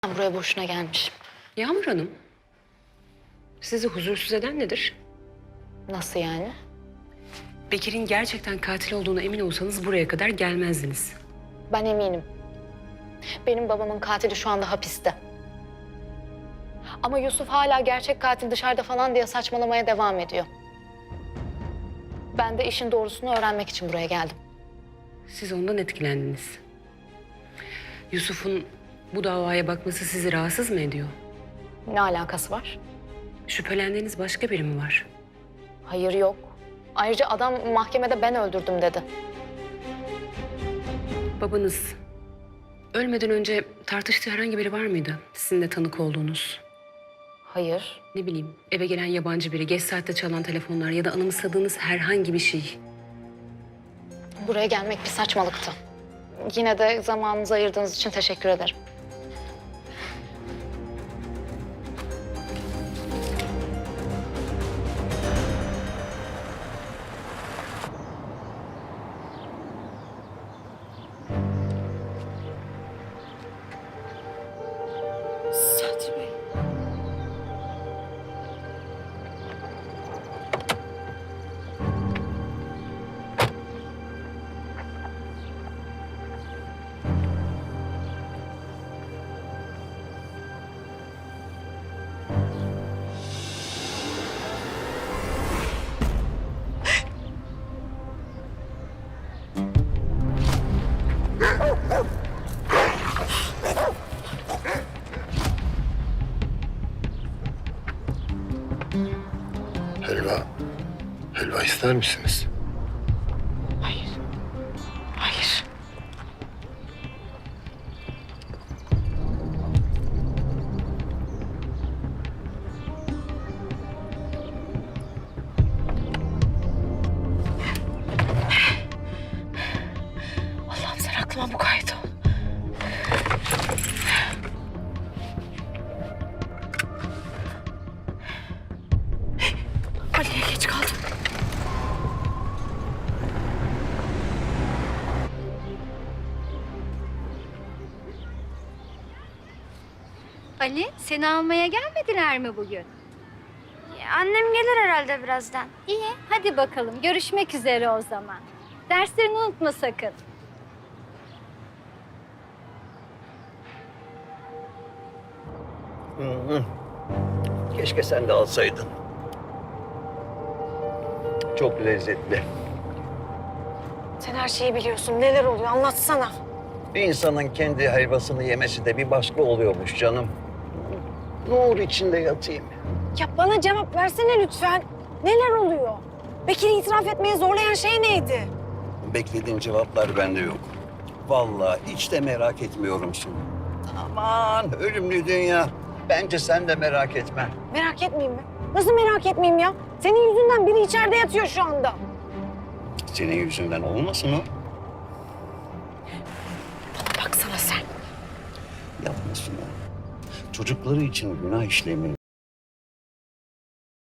Ben buraya boşuna gelmişim. Yağmur Hanım, sizi huzursuz eden nedir? Nasıl yani? Bekir'in gerçekten katil olduğuna emin olsanız buraya kadar gelmezdiniz. Ben eminim. Benim babamın katili şu anda hapiste. Ama Yusuf hala gerçek katil dışarıda falan diye saçmalamaya devam ediyor. Ben de işin doğrusunu öğrenmek için buraya geldim. Siz ondan etkilendiniz. Yusuf'un bu davaya bakması sizi rahatsız mı ediyor? Ne alakası var? Şüphelendiğiniz başka biri mi var? Hayır, yok. Ayrıca adam mahkemede ben öldürdüm dedi. Babanız ölmeden önce tartıştığı herhangi biri var mıydı? Sizin de tanık olduğunuz. Hayır. Ne bileyim, eve gelen yabancı biri, geç saatte çalan telefonlar ya da anımsadığınız herhangi bir şey. Buraya gelmek bir saçmalıktı. Yine de zamanınızı ayırdığınız için teşekkür ederim. Sadri Bey. Helva. Helva ister misiniz? Hayır. Hayır. Allah'ım sen aklıma mukayyet ol. Ali'ye geç kaldım. Ali, seni almaya gelmediler mi bugün? Annem gelir herhalde birazdan. İyi, hadi bakalım. Görüşmek üzere o zaman. Derslerini unutma sakın. Keşke sen de alsaydın. Çok lezzetli. Sen her şeyi biliyorsun. Neler oluyor? Anlatsana. Bir insanın kendi helvasını yemesi de bir başka oluyormuş canım. Nur içinde yatayım. Ya bana cevap versene lütfen. Neler oluyor? Bekir'i itiraf etmeye zorlayan şey neydi? Beklediğin cevaplar bende yok. Vallahi hiç de merak etmiyorum Sunu. Aman ölümlü dünya. Bence sen de merak etme. Merak etmeyeyim mi? Nasıl merak etmeyeyim ya? Senin yüzünden biri içeride yatıyor şu anda. Senin yüzünden olmasın o. Baksana sen. Yapma Sunu. Çocukları için günah işlemeyi